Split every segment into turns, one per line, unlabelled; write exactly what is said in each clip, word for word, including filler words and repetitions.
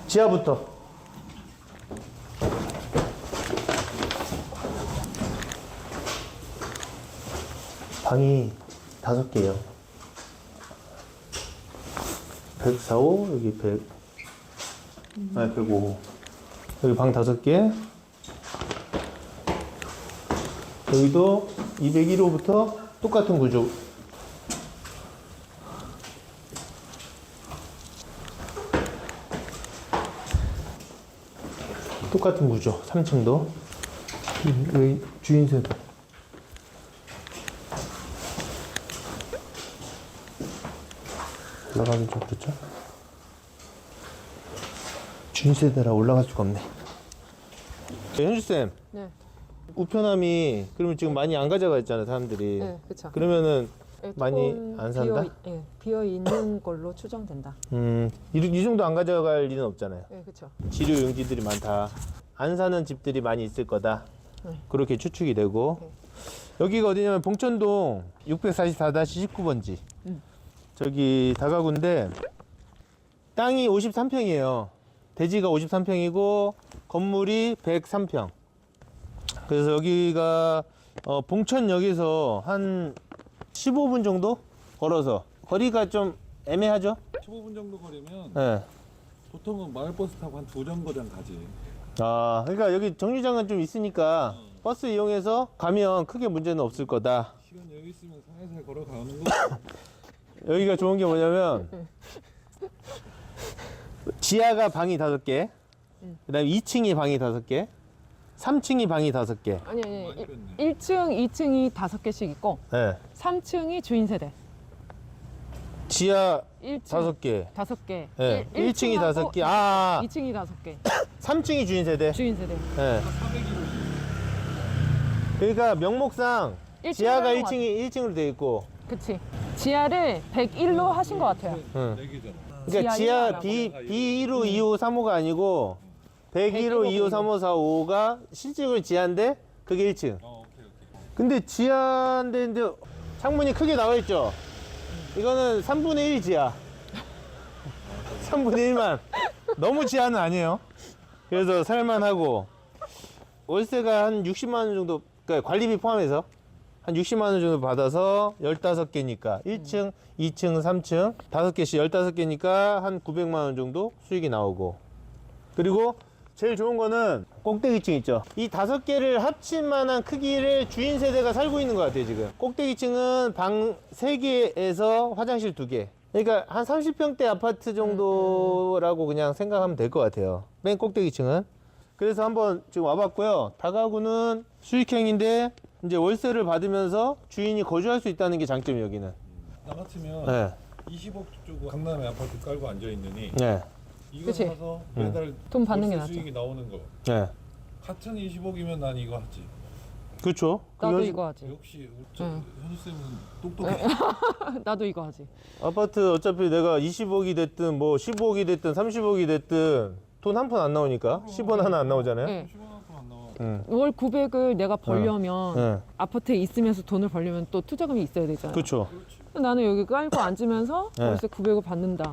지하부터. 방이 다섯 개예요. 백사십오, 여기 백, 음. 아니 백오. 여기 방 다섯 개. 여기도 이백일 호부터 똑같은 구조. 똑같은 구조. 삼 층도. 여기 주인세대. 올라가기 좀 그렇죠? 주인세대라 올라갈 수가 없네. 현주쌤.
네.
우편함이 그러면 지금 많이 안 가져가 있잖아요, 사람들이.
네, 그렇죠.
그러면은
네,
많이 안 산다?
비어, 네, 비어 있는 걸로 추정된다.
음, 이, 이 정도 안 가져갈 일은 없잖아요.
네, 그렇죠.
지류 용지들이 많다. 안 사는 집들이 많이 있을 거다.
네.
그렇게 추측이 되고.
네.
여기가 어디냐면 봉천동 육백사십사 십구 번지.
음.
저기 다가구인데 땅이 오십삼 평이에요. 대지가 오십삼 평이고 건물이 백삼 평. 그래서 여기가 어, 봉천역에서 한 십오 분 정도 걸어서 거리가 좀 애매하죠?
십오 분 정도 거리면
네.
보통은 마을버스 타고 한 두 정거장 가지.
아, 그러니까 여기 정류장은 좀 있으니까 어. 버스 이용해서 가면 크게 문제는 없을 거다.
시간 여유 있으면 살살 걸어가는 거.
여기가 좋은 게 뭐냐면 지하가 방이 다섯 개, 그다음에 이 층이 방이 다섯 개, 삼 층이 방이 다섯 개.
아니 아니.
많이
일,
뺐네.
일 층, 이 층이 다섯 개씩 있고
네.
삼 층이 주인 세대.
지하
일 층
다섯 개.
다섯 개.
네.
일-
일 층이
층하고
다섯 개. 아,
이 층이 다섯 개.
삼 층이 주인 세대.
주인 세대.
네. 그러니까 명목상
일 층
지하가
하는
일
것
층이 일 층으로 돼 있고.
그치. 지하를 백일로 하신 것 같아요.
응.
네 개잖아.
그러니까
지하
지하
일호라고.
B B 일 호, 이 호, 삼 호가 아니고 백일 호, 이 호, 삼 호, 사 호, 오호가 실질적으로 지하인데 그게 일 층.
어, 오케이 오케이.
근데 지하인데 이제 창문이 크게 나와 있죠. 이거는 삼분의 일 지하. 삼분의 일만. 너무 지하는 아니에요. 그래서 살만하고 월세가 한 육십만 원 정도, 그러니까 관리비 포함해서 한 육십만 원 정도 받아서 열다섯 개니까 일 층, 이 층, 삼 층 다섯 개씩 열다섯 개니까 한 구백만 원 정도 수익이 나오고. 그리고 제일 좋은 거는 꼭대기층 있죠. 이 다섯 개를 합친 만한 크기를 주인 세대가 살고 있는 것 같아요, 지금. 꼭대기층은 방 세 개에서 화장실 두 개. 그러니까 한 삼십 평대 아파트 정도라고 그냥 생각하면 될 것 같아요. 맨 꼭대기층은. 그래서 한번 지금 와봤고요. 다가구는 수익형인데 이제 월세를 받으면서 주인이 거주할 수 있다는 게 장점이 여기는.
나 같으면
네.
이십억 쪽 강남에 아파트 깔고 앉아 있느니
네.
이거
그치.
사서 매달
돈 받는 게
월세
낫죠.
수익이 나오는 거.
네.
같은 이십억이면 난 이거 하지.
그렇죠.
나도
그게
이거 하지.
역시 저
응.
현우 쌤은 똑똑해.
나도 이거 하지.
아파트 어차피 내가 이십억이 됐든 뭐 십억이 됐든 삼십억이 됐든 돈 한 푼 안 나오니까 십 원 하나 안 나오잖아요.
네.
십억 안 나와.
응.
월 구백을 내가 벌려면
네.
아파트에 있으면서 돈을 벌려면 또 투자금이 있어야 되잖아.
그렇죠.
나는 여기 깔고 앉으면서
네.
월세 구백을 받는다.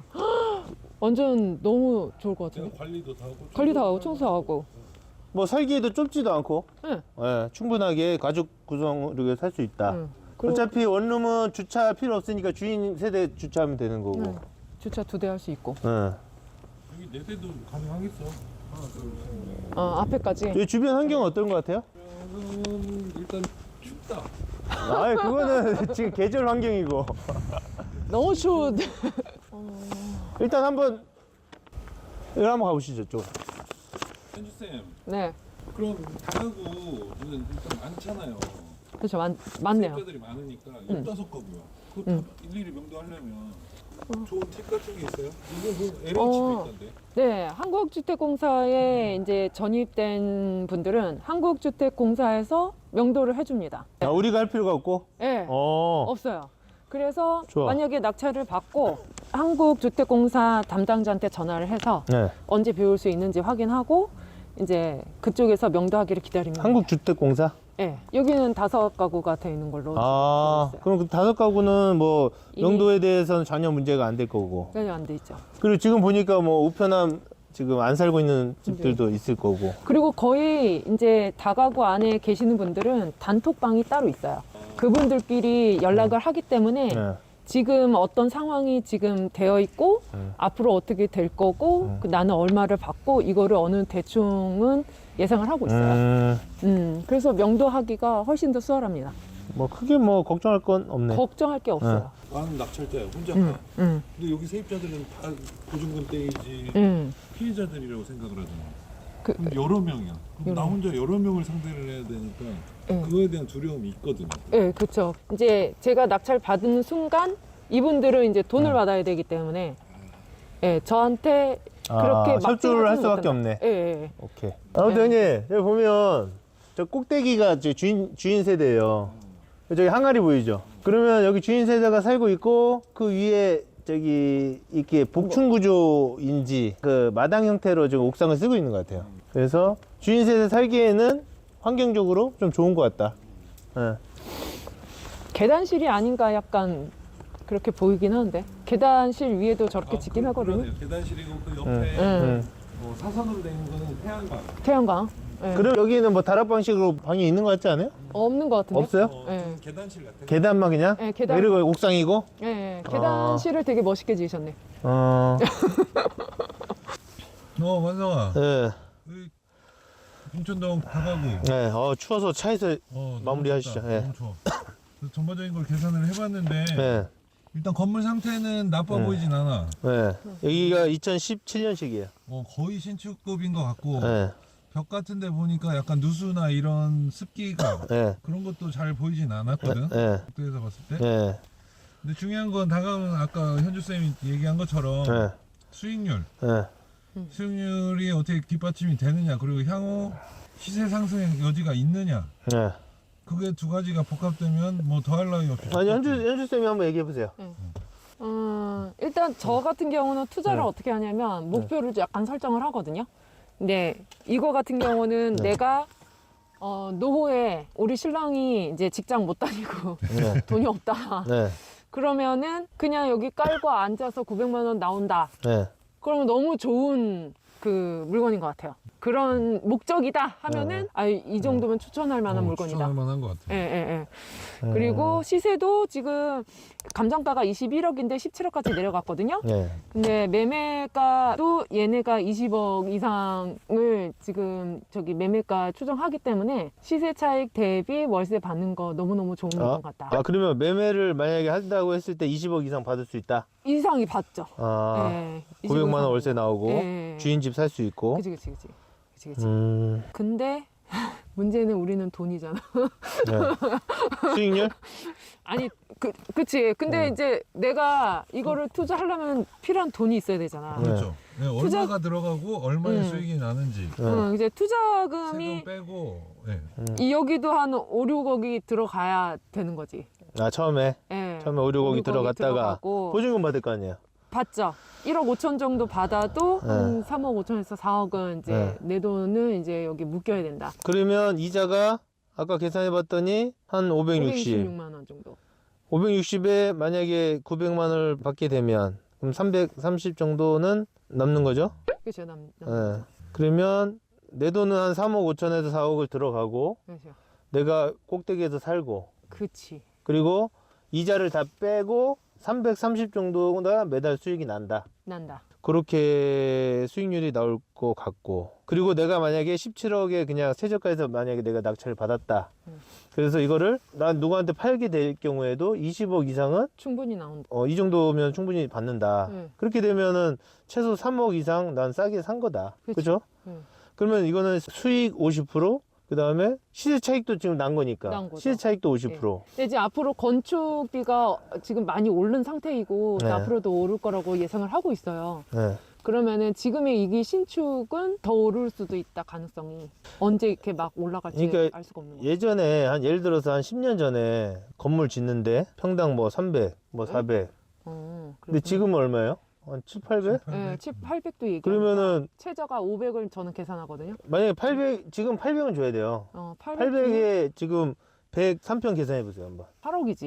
완전 너무 좋을 것
내가
같은데.
관리도 다 하고
관리 다 하고
청소도
청소하고.
뭐 살기에도 좁지도 않고
응.
예, 충분하게 가족 구성으로 살 수 있다.
응. 그리고
어차피 원룸은 주차 필요 없으니까 주인 세대 주차하면 되는 거고.
응. 주차 두 대 할 수 있고.
예.
여기 네 대도 가능하겠어. 하나 둘 셋.
어, 앞에까지.
여기 주변 환경은 어떤 것 같아요?
음, 일단 춥다.
아, 그거는 지금 계절 환경이고.
너무 추워.
일단 한번 여기 한번 가보시죠, 쪽.
현주 쌤,
네.
그럼 다가구는 일단 많잖아요.
그렇죠. 많, 많네요.
세입자들이 많으니까 열다섯 가구요. 그거 다 일일이 명도하려면 좋은 팁 같은 게 있어요? 이거 뭐 엘에이치도
어.
있던데.
네. 한국주택공사에 이제 전입된 분들은 한국주택공사에서 명도를 해줍니다.
아, 우리가 할 필요가 없고.
네.
어.
없어요. 그래서
좋아.
만약에 낙찰을 받고 한국주택공사 담당자한테 전화를 해서
네.
언제 배울 수 있는지 확인하고 이제 그쪽에서 명도하기를 기다립니다.
한국주택공사?
네. 여기는 다섯 가구가 돼 있는 걸로
아,
알고 있어요.
그럼 그 다섯 가구는 뭐
이미-
명도에 대해서는 전혀 문제가 안 될 거고.
전혀 안 돼 있죠.
그리고 지금 보니까 뭐 우편함 지금 안 살고 있는 집들도 있을 거고.
그리고 거의 이제 다가구 안에 계시는 분들은 단톡방이 따로 있어요. 그분들끼리 연락을 하기 때문에
네.
지금 어떤 상황이 지금 되어 있고
음.
앞으로 어떻게 될 거고
음.
그 나는 얼마를 받고 이거를 어느 대충은 예상을 하고 있어요.
음,
음, 그래서 명도하기가 훨씬 더 수월합니다.
뭐 크게 뭐 걱정할 건 없네.
걱정할 게 없어요.
나는 낙찰자야 혼자
음,
가.
음,
근데 여기 세입자들은 다 보증금 떼이지
음.
피해자들이라고 생각을 하잖아.
그-
그럼 여러 명이야. 그럼 나
여러
혼자 여러 명을 상대를 해야 되니까
음.
그거에 대한 두려움이 있거든요.
네, 그렇죠. 이제 제가 낙찰 받는 순간 이분들은 이제 돈을
음.
받아야 되기 때문에 예, 저한테
아,
그렇게 막
협조를 할
생각하지는
수밖에
못한다.
없네.
예, 예, 예.
오케이. 아무튼 형님 여기 보면 저 꼭대기가 저 주인 주인 세대예요. 저기 항아리 보이죠? 그러면 여기 주인 세대가 살고 있고 그 위에 저기 이렇게 복층 구조인지 그 마당 형태로 지금 옥상을 쓰고 있는 것 같아요. 그래서 주인 세대 살기에는 환경적으로 좀 좋은 것 같다. 예.
계단실이 아닌가 약간 그렇게 보이긴 하는데 계단실 위에도 저렇게 짓긴
그-
하거든요.
그러네요. 계단실이고 그 옆에
음.
음.
음.
뭐 사선으로 된 거는 태양광.
태양광 예.
그럼 여기는 뭐 다락 방식으로 방이 있는 것 같지 않아요?
없는 것 같은데.
없어요?
어,
네.
좀 계단실 같아.
계단만 그냥?
예, 계단.
그리고 옥상이고?
예, 예. 계단실을 되게 멋있게 지으셨네.
어,
어 완성아.
예.
그 인천동 다가구.
네, 어, 추워서 차에서
어, 너무
마무리하시죠.
춥다.
예.
너무 추워. 그래서 전반적인 걸 계산을 해봤는데
네,
일단 건물 상태는 나빠
네.
보이진 않아.
네. 여기가 이천십칠 년식이에요.
어, 거의 신축급인 것 같고
네,
벽 같은데 보니까 약간 누수나 이런 습기가
네,
그런 것도 잘 보이진 않았거든.
네,
국도에서 봤을 때.
네,
근데 중요한 건 다가오는 아까 현주 쌤이 얘기한 것처럼
네,
수익률,
네.
수익률이 어떻게 뒷받침이 되느냐, 그리고 향후 시세 상승의 여지가 있느냐.
네.
그게 두 가지가 복합되면 뭐 더할 나위 없이.
아니, 현주, 현주 쌤이 한번 얘기해 보세요.
음, 일단 저 같은 경우는 투자를
네.
어떻게 하냐면 목표를 약간 설정을 하거든요. 근데 이거 같은 경우는
네.
내가 어, 노후에 우리 신랑이 이제 직장 못 다니고
네,
돈이 없다.
네,
그러면은 그냥 여기 깔고 앉아서 구백만 원 나온다.
네.
그러면 너무 좋은 그 물건인 것 같아요. 그런 목적이다 하면은
네.
아, 이 정도면 추천할 만한
어,
물건이다.
추천할 만한 것 같아.
예, 예, 예.
음,
그리고 시세도 지금 감정가가 이십일억인데 십칠억까지 내려갔거든요.
네,
근데 매매가도 얘네가 이십억 이상을 지금 저기 매매가 추정하기 때문에 시세 차익 대비 월세 받는 거 너무너무 좋은
아,
것 같다.
아, 그러면 매매를 만약에 한다고 했을 때 이십억 이상 받을 수 있다?
이상이 받죠.
아,
예,
구백만 원
이십억
월세 나오고,
예.
주인 집 살 수 있고.
그치, 그치, 그치. 그치, 그치.
음,
근데 문제는 우리는 돈이잖아.
네. 수익률?
아니, 그, 그치. 근데
네.
이제 내가 이거를 투자하려면 필요한 돈이 있어야 되잖아.
네.
그렇죠. 네,
투자-
얼마가 들어가고 얼마의
음.
수익이 나는지
네.
응, 이제
세금
투자금이
빼고. 네.
이 여기도 한 오, 육억이 들어가야 되는 거지.
아, 처음에?
예.
처음에 오, 육억이
육억이
들어갔다가
들어가고
보증금 받을 거 아니에요?
받죠. 일억 오천 정도 받아도
네.
한 삼억 오천에서 사억은 이제
네.
내 돈은 이제 여기 묶여야 된다.
그러면 이자가 아까 계산해 봤더니 한 오백육십.
오백육십육만 원 정도.
오백육십에 만약에 구백만 원을 받게 되면 그럼 삼백삼십 정도는 남는 거죠?
그렇죠. 남, 남.
예. 그러면 내 돈은 한 삼억 오천에서 사억을 들어가고
그렇죠.
내가 꼭대기에서 살고
그치.
그리고 이자를 다 빼고 삼백삼십 정도가 매달 수익이 난다.
난다.
그렇게 수익률이 나올 것 같고 그리고 내가 만약에 십칠억에 그냥 최저가에서 만약에 내가 낙찰을 받았다.
음.
그래서 이거를 난 누구한테 팔게 될 경우에도 이십억 이상은
충분히 나온다.
어, 이 정도면 충분히 받는다.
네.
그렇게 되면은 최소 삼억 이상 난 싸게 산 거다.
그치.
그죠?
네.
그러면 이거는 수익 오십 퍼센트, 그 다음에 시세 차익도 지금 난 거니까.
난 거죠.
시세 차익도 오십 퍼센트.
근데 이제 앞으로 건축비가 지금 많이 오른 상태이고
네.
앞으로도 오를 거라고 예상을 하고 있어요.
네.
그러면은 지금의 이기 신축은 더 오를 수도 있다 가능성이 언제 이렇게 막 올라갈지
그러니까
알 수가 없는 거죠.
예전에 한 예를 들어서 한 십 년 전에 건물 짓는데 평당 뭐 삼백, 뭐 사백.
어,
근데
그렇구나.
지금은 얼마예요? 한 칠, 팔백?
네, 칠, 팔백도 얘기.
그러면은
최저가 오백을 저는 계산하거든요.
만약에 팔백, 지금 팔백은 줘야 돼요.
어, 팔백,
팔백에 지금 백삼 평 계산해 보세요, 한번.
팔억이지.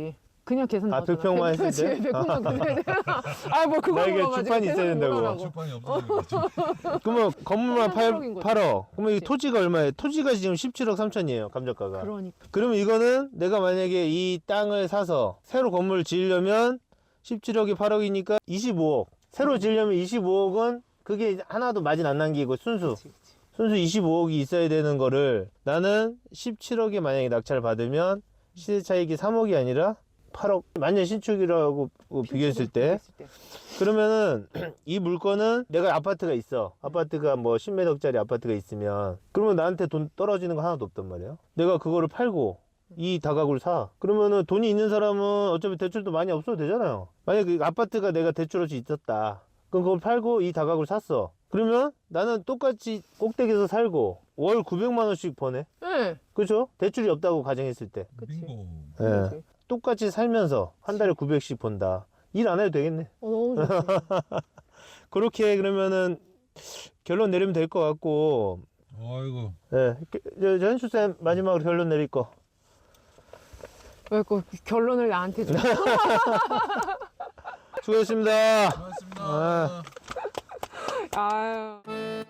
그냥 계산
아,
나왔잖아.
백평만 했을 때?
그렇지, 백평만 그래야 돼. 아, 뭐 그거
나에게
물어가지고
주판이 있어야
계산
된다고.
물어라고.
출판이 없어지겠죠.
그러면 건물만 팔,
팔억인 거지.
팔억. 그러면 이
그치.
토지가 얼마예요? 토지가 지금 십칠억 삼천이에요, 감정가가.
그러니까.
그러면 이거는 내가 만약에 이 땅을 사서 새로 건물을 지으려면 십칠억이 팔억이니까 이십오억. 새로 지으려면 이십오억은 그게 하나도 마진 안 남기고 순수.
그치, 그치.
순수 이십오억이 있어야 되는 거를 나는 십칠억에 만약에 낙찰을 받으면 시세 차익이 삼억이 아니라 팔억. 만년 신축이라고 비교했을 때.
비교했을 때.
그러면은 이 물건은 내가 아파트가 있어. 아파트가 뭐 십몇 억짜리 아파트가 있으면 그러면 나한테 돈 떨어지는 거 하나도 없단 말이야. 내가 그거를 팔고 이 다가구를 사. 그러면은 돈이 있는 사람은 어차피 대출도 많이 없어도 되잖아요. 만약에 그 아파트가 내가 대출 없이 있었다. 그럼 그걸 팔고 이 다가구를 샀어. 그러면 나는 똑같이 꼭대기에서 살고 월 구백만 원씩 버네.
네.
그죠? 대출이 없다고 가정했을 때.
그치.
빙고.
예.
그치.
똑같이 살면서 한 달에 구백씩 번다. 일 안 해도 되겠네.
어, 너무 좋지.
그렇게 그러면은 결론 내리면 될 것 같고.
아이고.
예. 저, 저 현수쌤 마지막으로 결론 내릴 거.
왜 그 결론을 나한테 줘?
수고했습니다.
고맙습니다.
아.
아유.